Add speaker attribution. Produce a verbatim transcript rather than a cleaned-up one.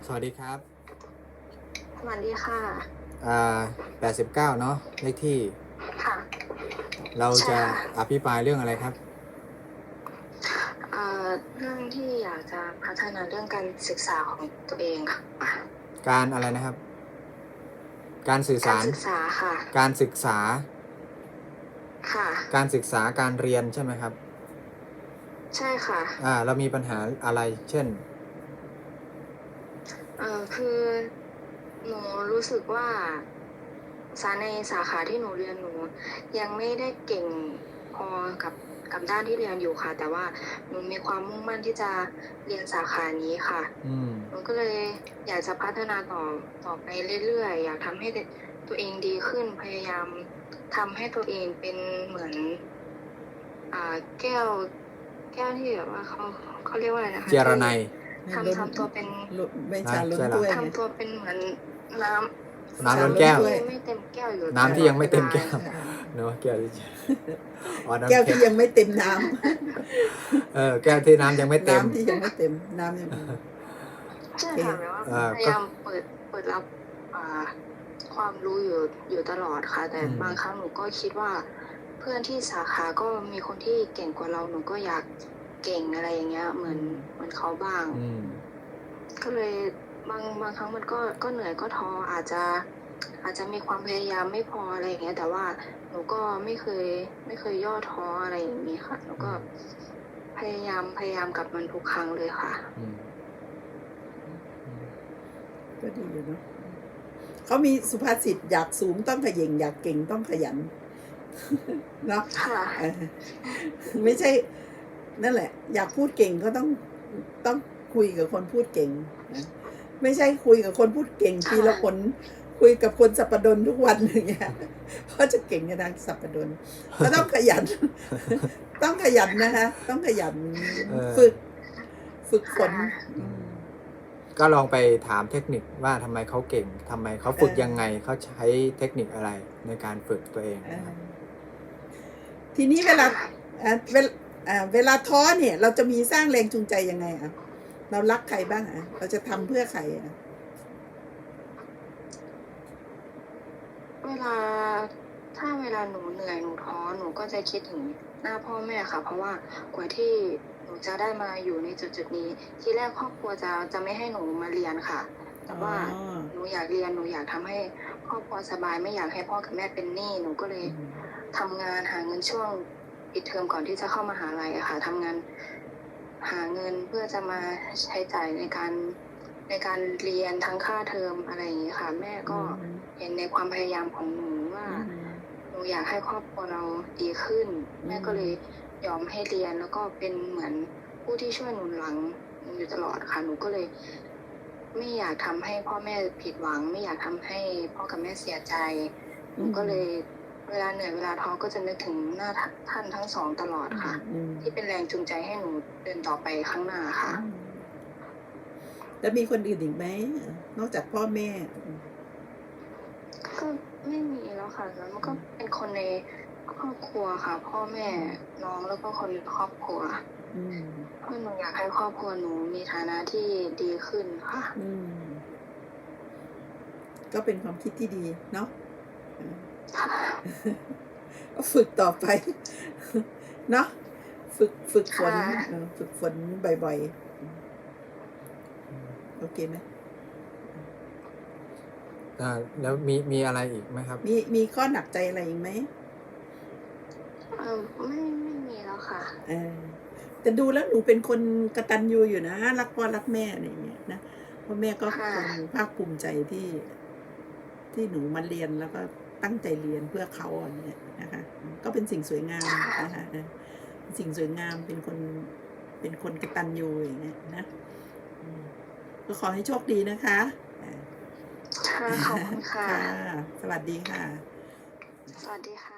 Speaker 1: สวัสดีครับ
Speaker 2: สวัสดีค่ะ
Speaker 1: อ่าแปดสิบเก้าเนาะเลขที่
Speaker 2: ค่ะ
Speaker 1: เรา
Speaker 2: ใช่
Speaker 1: จะ
Speaker 2: ค่ะ
Speaker 1: อภิปรายเรื่องอะไรครับ
Speaker 2: เอ่อเรื่องที่อยากจะพัฒนาเรื่องการศึกษาของตัวเองค่ะ
Speaker 1: การอะไรนะครับการสื่อ
Speaker 2: การ
Speaker 1: สาร
Speaker 2: ศึกษาค่ะ
Speaker 1: การศึกษา
Speaker 2: ค่ะ
Speaker 1: การศึกษาการเรียนใช่ไหมครับ
Speaker 2: ใช่ค่ะ
Speaker 1: อ่าเรามีปัญหาอะไรเช่น
Speaker 2: เอ่อคือหนูรู้สึกว่าสาในสาขาที่หนูเรียนหนูยังไม่ได้เก่งพอกับกับด้านที่เรียนอยู่ค่ะแต่ว่าหนูมีความมุ่งมั่นที่จะเรียนสาขานี้ค่ะ
Speaker 1: อืม
Speaker 2: หนูก็เลยอยากจะพัฒนาต่อต่อไปเรื่อยๆอยากทำให้ตัวเองดีขึ้นพยายามทำให้ตัวเองเป็นเหมือนอ่าแก้วแก้วที่แบบว่าเขาเขาเรียกว่าอะไรนะคะ
Speaker 1: เจรไนย
Speaker 2: ทำทำตัวเป็น
Speaker 3: ไม่ชาล้นถ้วยไง
Speaker 2: ทำตัวเป็นเหมือนน้ำ
Speaker 1: น้ำล้นแก้ว
Speaker 2: ที่ไม่เต็มแก้วอยู่
Speaker 1: น้ำที่ยังไม่เต็มแก้ว
Speaker 2: ตลอดเวลา
Speaker 1: เนาะแก้วที่อ๋อน้ำ
Speaker 3: แก้ว
Speaker 1: เค็
Speaker 3: ที่
Speaker 1: ม
Speaker 3: ยังไม่เต็มน้
Speaker 1: เออแก้วที่น้ำยังไม่
Speaker 3: ำ
Speaker 1: เต็ม
Speaker 3: น้ำที่ยังไม่เต็มน้ำยัง
Speaker 2: ใช่ค่ะแบบว่า
Speaker 1: อ่า
Speaker 2: พยายามเปิดเปิดรับอ่าความรู้อยู่อยู่ตลอดค่ะ แต่
Speaker 1: อืม
Speaker 2: บางครั้งหนูก็คิดว่า เพื่อนที่สาขาก็มีคนที่เก่งกว่าเราหนูก็อยากเก่งอะไรอย่างเงี้ย เหมือนเหมือนเขาบ้าง
Speaker 1: อืม
Speaker 2: ก็เลยบางบางครั้งมันก็ก็เหนื่อยก็ท้ออาจจะอาจจะมีความพยายามไม่พออะไรอย่างเงี้ย แต่ว่าหนูก็ไม่เคยไม่เคยย่อท้ออะไรอย่างนี้ค่ะหนูก็พยายามพยายามกับมันทุกครั้งเลยค่ะ
Speaker 1: อืม
Speaker 3: ก็ดีอยู่เนาะเขามีสุภาษิตอยากสูงต้องขย่งอยากเก่งต้องขยันเนาะ
Speaker 2: ค่ะ
Speaker 3: เออไม่ใช่ นั่นแหละ อยากพูดเก่งก็ต้องต้องคุยกับคนพูดเก่งนะไม่ใช่คุยกับคนพูดเก่งปีละคนคุยกับคนสัปดนทุกวันอย่างเงี้ยเพราะจะเก่งในทางสัปดนก็ต้องขยัน ต้องขยันนะคะต้องขยัน
Speaker 1: เออ
Speaker 3: ฝึก ฝึกฝน
Speaker 1: ก็ลองไปถามเทคนิคว่าทำไมเขาเก่งทำไมเขาฝึก
Speaker 3: เออ
Speaker 1: ยังไงเขาใช้เทคนิคอะไรในการฝึกตัวเอง
Speaker 3: เอ
Speaker 1: นะค
Speaker 3: อ
Speaker 1: รับ
Speaker 3: ทีนี้เวลาเอ่อเวลาเอ่อเวลาท้อเนี่ย เราจะมีสร้างแรงจูงใจยังไงอ่ะเรารักใครบ้างอ่ะเราจะทำเพื่อใครอ่ะ
Speaker 2: เวลาถ้าเวลาหนูเหนื่อยหนูท้อหนูก็จะคิดถึงหน้าพ่อแม่ค่ะ เพราะว่ากว่าที่หนูจะได้มาอยู่ในจุดจุดๆนี้ ที่แรกครอบครัวจะจะไม่ให้หนูมาเรียนค่ะ แต่ว่า
Speaker 3: อ๋อ
Speaker 2: หนูอยากเรียนหนูอยากทำให้ครอบครัวสบายไม่อยากให้พ่อกับแม่เป็นหนี้หนูก็เลยทำงานหาเงินช่วงปิดเทอมก่อนที่จะเข้ามหาลัยอะค่ะทำงานหาเงินเพื่อจะมาใช้จ่ายในการในการเรียนทั้งค่าเทอมอะไรอย่างนี้ค่ะ แม่ก็เห็นในความพยายามของหนูว่า หนูอยากให้ครอบครัวเราดีขึ้น แม่ก็เลยยอมให้เรียนแล้วก็เป็นเหมือนผู้ที่ช่วยหนุนหลังหนูอยู่ตลอดค่ะ หนูก็เลย ไม่อยากทำให้พ่อแม่ผิดหวัง ไม่อยากทำให้พ่อกับแม่เสียใจ หนูก็เลยเวลาเหนื่อยเวลาท้อก็จะนึกถึงหน้าท่านทั้งสองตลอดค่ะ
Speaker 3: อืม
Speaker 2: ที่เป็นแรงจูงใจให้หนูเดินต่อไปข้างหน้าค่ะ
Speaker 3: แล้วมีคนอื่นอีกไหมนอกจากพ่อแม่
Speaker 2: ก็ไม่มีแล้วค่ะแล้วมันก็เป็นคนในครอบครัวค่ะ พ่อแม่น้องแล้วก็คนในครอบครัว
Speaker 3: อืม
Speaker 2: เพราะหนูอยากให้ครอบครัวหนูมีฐานะที่ดีขึ้นค่ะ
Speaker 3: อืม ก็เป็นความคิดที่ดีเนาะ
Speaker 2: ค่ะ
Speaker 3: ก็ฝึกต่อไป เนาะฝึกฝึกฝน
Speaker 2: ค่ะ
Speaker 3: เออฝึกฝนบ่อยๆ โอเคไหม
Speaker 1: อ่าแล้วมีมีอะไรอีกไหมครับ
Speaker 3: มีมีข้อหนักใจอะไรอีกไหม
Speaker 2: เออไม่ไม่มีแล้วค่ะ
Speaker 3: เออแต่ดูแล้วหนูเป็นคนกตัญญูอยู่นะรักพ่อรักแม่อะไรอย่างเงี้ยนะพ่อแม่ก็ค
Speaker 2: ค่ะ
Speaker 3: งภาคภูมิใจที่ ที่หนูมาเรียนแล้วก็ตั้งใจเรียนเพื่อเขาอะไรเงี้ยนะคะก็เป็นสิ่งสวยงามนะคะเออสิ่งสวยงามเป็นคนเป็นคนกตัญญูอย่างเงี้ยนะอืมก็ขอให้โชคดีนะคะอ่า
Speaker 2: ค่ะขอบคุณค่ะ
Speaker 3: ค่ะ สวัสดีค่ะ
Speaker 2: สวัสดีค่ะ